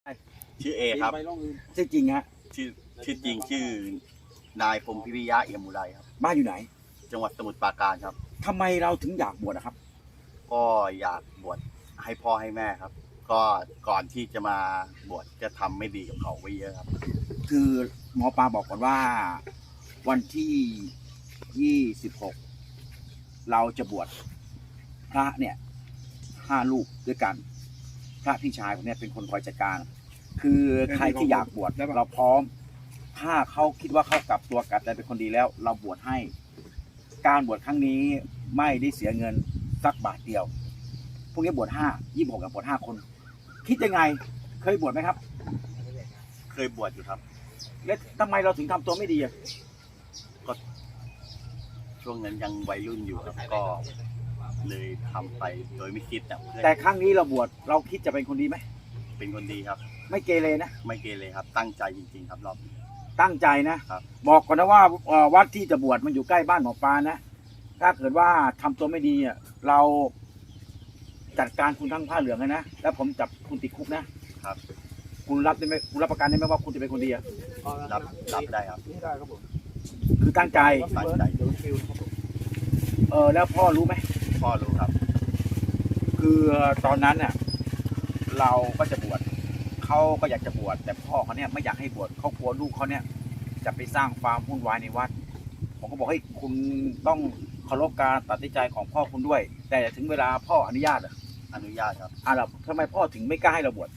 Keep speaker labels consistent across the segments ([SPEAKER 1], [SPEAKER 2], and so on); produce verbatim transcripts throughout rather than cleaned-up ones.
[SPEAKER 1] ชื่อเอครับ
[SPEAKER 2] ชื่อจริงฮะ
[SPEAKER 1] ชื่อชื่อจริงชื่อนายพรหมพิริยะเอี่ยมอุไรครับ
[SPEAKER 2] บ้านอยู่ไหน
[SPEAKER 1] จังหวัดสมุทรปราการครับ
[SPEAKER 2] ทำไมเราถึงอยากบวชนะครับ
[SPEAKER 1] ก็อยากบวชให้พ่อให้แม่ครับก็ก่อนที่จะมาบวชจะทำไม่ดีกับเขาไว้เยอะครับ
[SPEAKER 2] คือหมอปลาบอกก่อนว่าวันที่ยี่สิบหกเราจะบวชพระเนี่ยห้าลูกด้วยกันพระพี่ชายผมเนี่ยเป็นคนคอยจัดการคือใครที่อยากบวชเราพร้อมถ้าเขาคิดว่าเขากลับตัวกลับใจเป็นคนดีแล้วเราบวชให้การบวชครั้งนี้ไม่ได้เสียเงินสักบาทเดียวพวกนี้บวชห้ายี่สิบหกกับบวชห้าคนคิดยังไงเคยบวชไหมครับ
[SPEAKER 1] เคยบวชอยู่ครับ
[SPEAKER 2] แล้วทำไมเราถึงทำตัวไม่ดีอ่ะ
[SPEAKER 1] ก็ช่วงนั้นยังวัยรุ่นอยู่ครับก็เลยทำไปโดยไม่คิดแต่
[SPEAKER 2] แต่ครั้งนี้เราบวชเราคิดจะเป็นคนดีไหม
[SPEAKER 1] เป็นคนดีครับ
[SPEAKER 2] ไม่เกเรนะ
[SPEAKER 1] ไม่เกเรครับตั้งใจจริงๆครับรอบนี้
[SPEAKER 2] ตั้งใจนะครับบอกก่อนนะว่าวัดที่จะบวชมันอยู่ใกล้บ้านหมอปลานะถ้าเกิดว่าทำตัวไม่ดีอ่ะเราจัดการคุณทั้งผ้าเหลืองเลยนะแล้วผมจับคุณติดคุกนะครับคุณรับได้ไหมคุณรับประกันได้ไหมว่าคุณจะเป็นคนดีอ่ะ
[SPEAKER 1] รับรับได้ครับ
[SPEAKER 2] ได้ครับผมคือตั้งใจ
[SPEAKER 1] ตั้งใจ
[SPEAKER 2] เออแล้วพ่อรู้ไหม
[SPEAKER 1] พ่อรู้ครับ
[SPEAKER 2] คือตอนนั้นเนี่ยเราก็จะบวชเขาก็อยากจะบวชแต่พ่อเขาเนี่ยไม่อยากให้บวชเขากลัวลูกเขาเนี่ยจะไปสร้างความวุ่นวายในวัดผมก็บอกให้คุณต้องเคารพการตัดสินใจของพ่อคุณด้วยแต่ถึงเวลาพ่ออนุญาตอ่ะ
[SPEAKER 1] อนุญาตครับ
[SPEAKER 2] อ่าเราทำไมพ่อถึงไม่กล้าให้เราบวช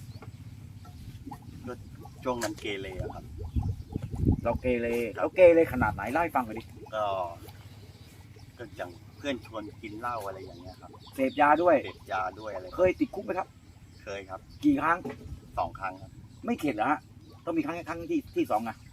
[SPEAKER 1] ช่วงนั้นเกเรครับ
[SPEAKER 2] เราเกเรเราเกเรขนาดไหนเล่าให้ฟังหน่อยดิ
[SPEAKER 1] ก็ก็อย่างเพื่อนชวนกินเหล้าอะไรอย่างเงี้ยครับ
[SPEAKER 2] เสพยาด้วย
[SPEAKER 1] เสพยาด้วยอะไร
[SPEAKER 2] เคยติดคุกไหมครับ
[SPEAKER 1] เคยครับ
[SPEAKER 2] กี่ครั้ง
[SPEAKER 1] สองครั้งครับ
[SPEAKER 2] ไม่เข็ดเหรอฮะต้องมีครั้งครั้งที่ที่สองอ่ะ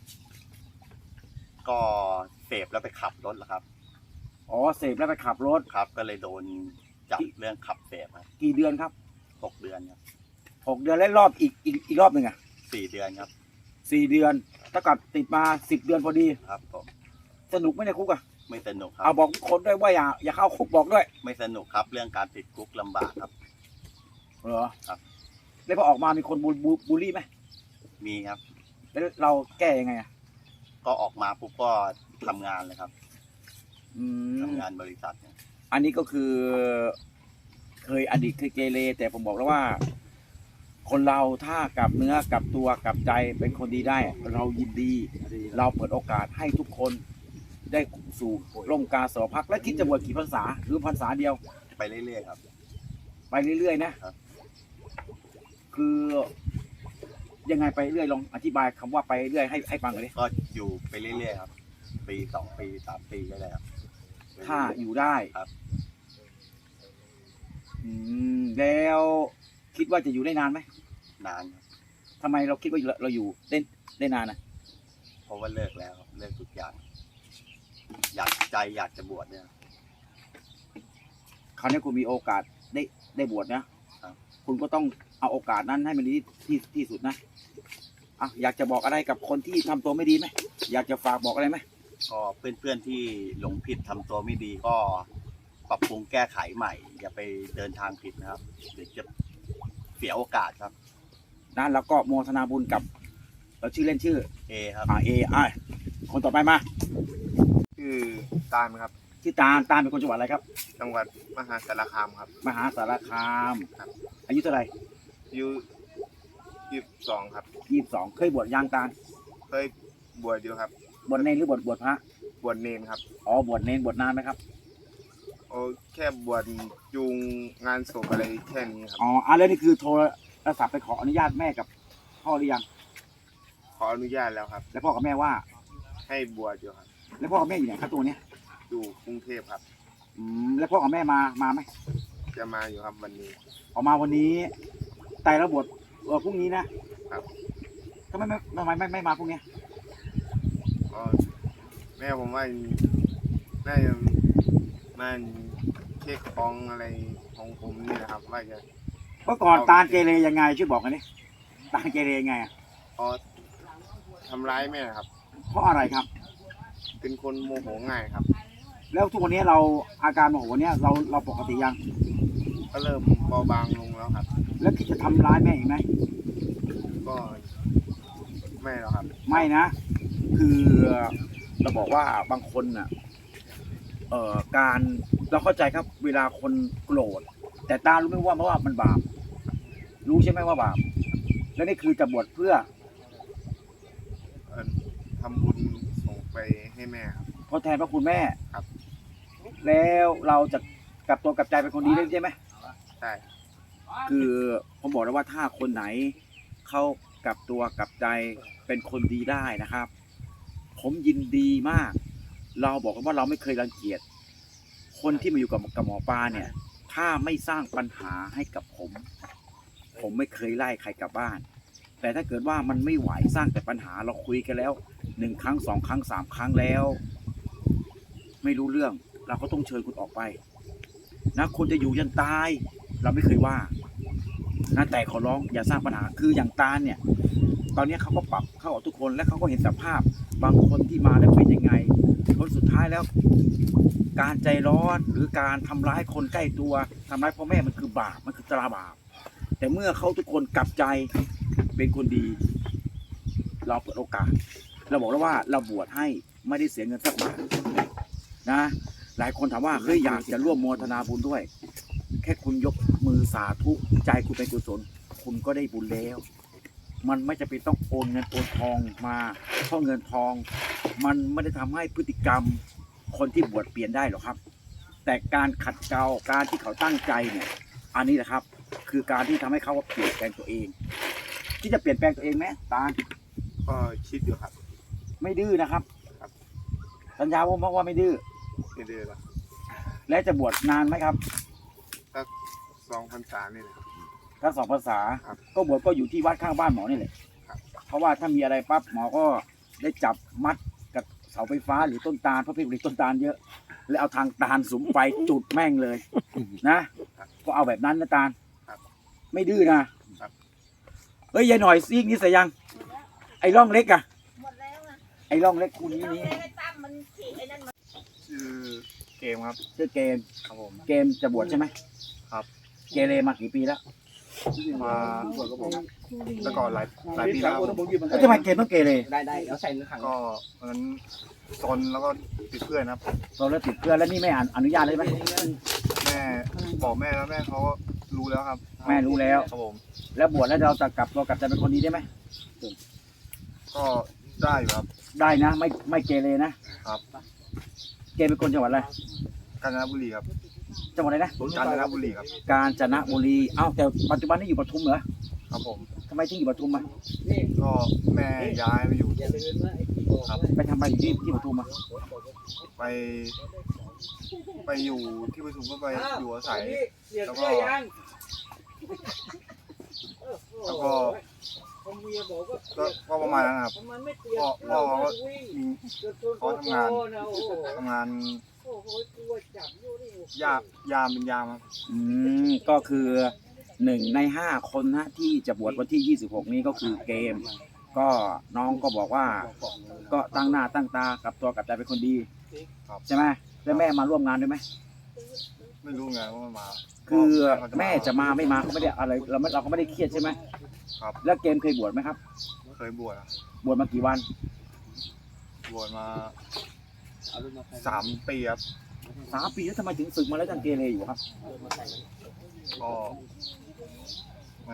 [SPEAKER 1] ก็เสพแล้วไปขับรถเหรอครับ
[SPEAKER 2] อ๋อเสพแล้วไปขับรถ
[SPEAKER 1] ครับก็เลยโดนจับเรื่องขับเสพครับ
[SPEAKER 2] กี่เดือนครับ
[SPEAKER 1] หกเดือนครับ
[SPEAKER 2] หกเดือนแล้วรอบอีกอีกอีกรอบหนึ่งอ่ะ
[SPEAKER 1] สี่เดือนครับ
[SPEAKER 2] สี่เดือนถ้ากับติดมาสิบเดือนพอดี
[SPEAKER 1] ครับผม
[SPEAKER 2] สนุกไหมในคุกอ่ะ
[SPEAKER 1] ไม่สนุกครับ
[SPEAKER 2] เอาบอกคนด้วยว่าอย่าอย่าเข้าคุกบอกด้วย
[SPEAKER 1] ไม่สนุกครับเรื่องการติดคุกลำบากครับ
[SPEAKER 2] เหรอ
[SPEAKER 1] ครับ
[SPEAKER 2] แล้วพอออกมามีคนบูลลี่ไหม
[SPEAKER 1] มีครับ
[SPEAKER 2] แล้วเราแก้ยังไงอ่ะ
[SPEAKER 1] ก็ออกมาปุ๊บก็ทำงานเลยครับทำงานบริษัทเนี่ย
[SPEAKER 2] อันนี้ก็คือเคยอดีตเคยเกเรแต่ผมบอกแล้วว่าคนเราถ้ากลับเนื้อกลับตัวกลับใจเป็นคนดีได้เรายินดีเราเปิดโอกาสให้ทุกคนได้สู่ร่มกาสาวพักและคิดจะบวชกี่พรรษาหรือพรรษาเดียว
[SPEAKER 1] ไปเรื่อยๆครับ
[SPEAKER 2] ไปเรื่อยๆนะครับคือยังไงไปเรื่อยลองอธิบายคำว่าไปเรื่อยให้ให้ฟังเลย
[SPEAKER 1] ก็อยู่ไปเรื่อยๆครับปีสองปีสามปีก็ได้ครับ
[SPEAKER 2] ถ้าอยู่ได้
[SPEAKER 1] ครับ
[SPEAKER 2] อืมแล้วคิดว่าจะอยู่ได้นานไหม
[SPEAKER 1] นานครับ
[SPEAKER 2] ทำไมเราคิดว่าเราอยู่ได้ได้นานนะ
[SPEAKER 1] เพราะว่าเลิกแล้วเลิกทุกอย่างอยากใจอยากจะบวชเนี่ย
[SPEAKER 2] คราวนี้คุณมีโอกาสได้ได้บวชนะคุณก็ต้องเอาโอกาสนั้นให้มันดีที่ที่สุดนะอ่ะอยากจะบอกอะไรกับคนที่ทำตัวไม่ดีไหมอยากจะฝากบอกอะไรไหม
[SPEAKER 1] ก็เพื่อนๆที่หลงผิดทำตัวไม่ดีก็ปรับปรุงแก้ไขใหม่อย่าไปเดินทางผิดนะครับเดี๋ยวจะเสียโอกาสครับ
[SPEAKER 2] นั่นแล้วก็โมทนาบุญกับเราชื่อเล่นชื่อ
[SPEAKER 1] เอครับ
[SPEAKER 2] อ่าเออ่าคนต่อไปมา
[SPEAKER 3] ชื่อตาลครับ
[SPEAKER 2] ชื่อตาลตาลเป็นคนจังหวัดอะไรครับ
[SPEAKER 3] จังหวัดมหาสารคามครับ
[SPEAKER 2] มหาสารคามครับอายุเท่าไหร่
[SPEAKER 3] อายุยี่สิบสองครับ
[SPEAKER 2] ยี่สิบสองเคยบวชยังตาล
[SPEAKER 3] เคยบวชอยู่ครับ
[SPEAKER 2] บวชเนรหรือบวชบวชพระ
[SPEAKER 3] บวชเนรครับ
[SPEAKER 2] อ๋อบวชเนรบวชนานไหมครับ
[SPEAKER 3] โอ้แค่บวชจูงงานศพอะไรแค่นี้ครับ
[SPEAKER 2] อ๋ออ่ะแล้วนี่คือโทรศัพท์ไปขออนุญาตแม่กับพ่อหรือยัง
[SPEAKER 3] ขออนุญาตแล้วครับ
[SPEAKER 2] แล้วพ่อกับแม่ว่า
[SPEAKER 3] ให้บวชอยู่ครับ
[SPEAKER 2] แล้วพ่อกับแม่อยู่ไหนครับตัวเนี้ย
[SPEAKER 3] อยู่กรุงเทพครับ
[SPEAKER 2] อืมแล้วพ่อกับแม่มามาไหม
[SPEAKER 3] จะมาอยู่ครับวันนี้
[SPEAKER 2] ออกมาวันนี้แต่ละบวชเออพรุ่งนี้นะครับทำไมไม่ทำไมไม่ไม่มาพรุ่งนี้
[SPEAKER 3] อ๋อแม่ผมว่าน่าจะมันเช็คของอะไรของผมนี่นะครับว่าจะ
[SPEAKER 2] เมื่อก่อนตาลเกเรยังไงช่วยบอกกันดิตาลเกเรยังไงอ่ะ
[SPEAKER 3] อ๋อทำร้ายแม่ครับ
[SPEAKER 2] เพราะอะไรครับ
[SPEAKER 3] เป็นคนโมโหง่ายครับ
[SPEAKER 2] แล้วทุกวันนี้เราอาการโมโหเนี่ยเราเราปกติยัง
[SPEAKER 3] ก็เริ่มเบาบางลงแล้วครับ
[SPEAKER 2] แล้วคิดจะทำร้ายแม่อีกไหม
[SPEAKER 3] ไม่หรอกครับ
[SPEAKER 2] ไม่นะ คือเราบอกว่าบางคนน่ะเอ่อการเราเข้าใจครับ เวลาคนโกรธแต่ตารู้ไหมว่าเพราะว่ามันบาปรู้ใช่ไหมว่าบาปแล้วนี่คือจะบวชเพื่อ
[SPEAKER 3] เอ่อทำบุญส่งไปให้แม่ครับ
[SPEAKER 2] ทดแทนพระคุณแม่
[SPEAKER 3] ครับ
[SPEAKER 2] แล้วเราจะกลับตัวกลับใจเป็นคนดีได้ใช่ไหม
[SPEAKER 3] ใช่
[SPEAKER 2] คือผมบอกแล้วว่าถ้าคนไหนเขากลับตัวกลับใจเป็นคนดีได้นะครับ ผมยินดีมาก เราบอกกันว่าเราไม่เคยรังเกียจคนที่มาอยู่กับกับหมอปลาเนี่ย ถ้าไม่สร้างปัญหาให้กับผม ผมไม่เคยไล่ใครกลับบ้าน แต่ถ้าเกิดว่ามันไม่ไหวสร้างแต่ปัญหาเราคุยกันแล้วหนึ่งครั้งสองครั้งสามครั้งแล้ว ไม่รู้เรื่องเราก็ต้องเชิญคุณออกไปนะคนจะอยู่ยันตาย เราไม่เคยว่านะแต่ขอร้องอย่าสร้างปัญหาคืออย่างตาลเนี่ย ตอนนี้เขาก็ปรับเข้าออกทุกคนและเขาก็เห็นสภาพบางคนที่มาแล้วเป็นยังไงผลสุดท้ายแล้ว การใจร้อนหรือการทำร้ายคนใกล้ตัวทำร้ายพ่อแม่มันคือบาปมันคือตราบาปแต่เมื่อเขาทุกคนกลับใจเป็นคนดี เราเปิดโอกาส เราบอกแล้วว่าเราบวชให้ไม่ได้เสียเงินสักบาทนะ หลายคนถามว่าเฮ้ยอยากจะร่วมโมทนาบุญด้วย แค่คุณยกมือสาธุใจคุณเป็นกุศลคุณก็ได้บุญแล้ว มันไม่จะเป็นต้องโอนเงินโอนทองมาเพราะเงินทอง มันไม่ได้ทำให้พฤติกรรมคนที่บวชเปลี่ยนได้หรอกครับ แต่การขัดเกลาการที่เขาตั้งใจเนี่ย อันนี้แหละครับ คือการที่ทำให้เขาเปลี่ยนแปลงตัวเอง ที่จะเปลี่ยนแปลงตัวเองไหมตาล
[SPEAKER 3] ก็คิดอยู่ครับ
[SPEAKER 2] ไม่ดื้อนะครับ
[SPEAKER 3] ครับ
[SPEAKER 2] สัญญาว่าว่าไม่ดื้อ
[SPEAKER 3] ไม่ดื้อแล้ว
[SPEAKER 2] และจะบวชนานไหมครับ
[SPEAKER 3] สักสองพรรษานี่แหละครับ
[SPEAKER 2] ถ้าสองภาษา
[SPEAKER 3] ครับ
[SPEAKER 2] ก็บวชก็อยู่ที่วัดข้างบ้านหมอนี่แหละ
[SPEAKER 3] ครับ
[SPEAKER 2] เพราะว่าถ้ามีอะไรปั๊บหมอก็ได้จับมัดกับเสาไฟฟ้าหรือต้นตาลเพราะพี่ผลิตต้นตาลเยอะ แล้วเอาทางตาลสุมไฟจุดแม่งเลยนะ ก็เอาแบบนั้นนะตาล
[SPEAKER 3] ครับ
[SPEAKER 2] ไม่ดื้อนะครับ เฮ้ยยายหน่อยซีกนี้ใส่ยัง ไอ้ร่องเล็กอะ
[SPEAKER 4] หมดแล้วนะ
[SPEAKER 2] ไอ้ร่องเล็กคู่นี้
[SPEAKER 4] เรา
[SPEAKER 2] นี่
[SPEAKER 4] เลยไอ้ตั้มมันขี่ไอ้นั่นมา
[SPEAKER 3] ชื่อเกมครับ
[SPEAKER 2] ชื่อเกม
[SPEAKER 3] ครับผม
[SPEAKER 2] เกมจะบวชใช่ไหม
[SPEAKER 3] ครับ
[SPEAKER 2] เกเรมากี่ปีแล้ว
[SPEAKER 3] มาแล้วก่อนหลายหลายปีแล้วครับ
[SPEAKER 2] แล้วทำไมเกมต้องเกเร
[SPEAKER 5] ได้ได้แล้วใส่ในถัง
[SPEAKER 3] ก็วันนั้นซนแล้วก็ติดเพื่อนครับ
[SPEAKER 2] เราแล้วติดเพื่อนแล้วนี่ไม่อ่านอนุญาตเลยไหม
[SPEAKER 3] แม่บอกแม่แล้วแม่เขาก็รู้แล้วครับ
[SPEAKER 2] แม่รู้แล้ว
[SPEAKER 3] ครับผม
[SPEAKER 2] แล้วบวชแล้วเราจะกลับตัวกลับใจเป็นคนดีได้ไหม
[SPEAKER 3] ก็ได้อยู่ครับ
[SPEAKER 2] ได้นะ ไม่ไม่เกเรนะครับ เกมเป็นคนจังหวัดอะไร
[SPEAKER 3] กาญจนบุรีครับ
[SPEAKER 2] จังหวัดอะไรนะ
[SPEAKER 3] กาญจนบุรีครับ
[SPEAKER 2] กาญจนบุรีเอ้าแต่ปัจจุบันนี้อยู่ปทุมเหรอ
[SPEAKER 3] ครับผม
[SPEAKER 2] ทำไมถึงอยู่ปทุมอ่ะ
[SPEAKER 3] ก็แม่ย้ายไปอยู่
[SPEAKER 5] อย่าลืมนะไอ้ที่บอก
[SPEAKER 3] ครับ
[SPEAKER 2] ไปทำอะไรอยู่ที่ที่ปทุมอ่ะ
[SPEAKER 3] ไป ไปอยู่ที่ประชุมก็ไปอยู่อาศัย
[SPEAKER 5] เสีย
[SPEAKER 3] แล้ว
[SPEAKER 5] เสื้
[SPEAKER 3] ก็
[SPEAKER 5] อยัง
[SPEAKER 3] แล้วก็
[SPEAKER 5] ผมเมียบอกว่า
[SPEAKER 3] ก็ก็ประมาณนั้นครับ
[SPEAKER 5] มันไม่เปลี่ยน
[SPEAKER 3] พ่อพ่อเขาก็
[SPEAKER 5] วิ่ง
[SPEAKER 3] มี
[SPEAKER 5] เขาทำงานโอ้โห
[SPEAKER 3] ทำงาน
[SPEAKER 5] โอ้โหกลัวจับอยู่นี่
[SPEAKER 3] ยามยามเป็นยามครับ
[SPEAKER 2] อืมก็คือหนึ่งในห้าคนนะที่จะบวชวันที่ยี่สิบหกนี้ก็คือเกม ก็น้องก็บอกว่า ก็ตั้งหน้าตั้งตากลับตัวกลับใจเป็นคนดี
[SPEAKER 3] ครับ
[SPEAKER 2] ใช่ไหมแล้วแม่มาร่วมงานด้วยไหม
[SPEAKER 3] ไม่รู้ไงว่ามันมา
[SPEAKER 2] คือแม่จะมาไม่มาก็ไม่ได้อะไรเราไม่เราก็ไม่ได้เครียดใช่ไหม
[SPEAKER 3] ครับ
[SPEAKER 2] แล้วเกมเคยบวชไหมครับ
[SPEAKER 3] เคยบวชอะ
[SPEAKER 2] บวชมากี่วัน
[SPEAKER 3] บวชมาสามปีครับ
[SPEAKER 2] สามปีแล้วทำไมถึงศึกมาแล้วยังเกเรอยู่ครับ
[SPEAKER 3] ก็มัน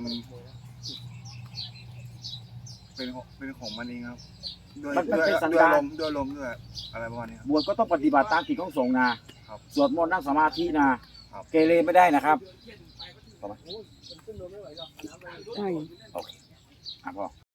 [SPEAKER 3] เป็นของเป็นของมันเองครับด้วย
[SPEAKER 2] มันมัน
[SPEAKER 3] ด้วย
[SPEAKER 2] เป็นสัน
[SPEAKER 3] ด้วย
[SPEAKER 2] ดาน
[SPEAKER 3] ลมณ์ด้วยลมณ์ด้วยอะไรประมาณนี้ครับ
[SPEAKER 2] บวชก็ต้องปฏิบัติตามกิจของสงฆ์นะครับ สวดมนต์นั่งสมาธินะครับ เกเรไม่ได้นะครับต่อมา
[SPEAKER 5] ใช่
[SPEAKER 2] อ่ะพ่อ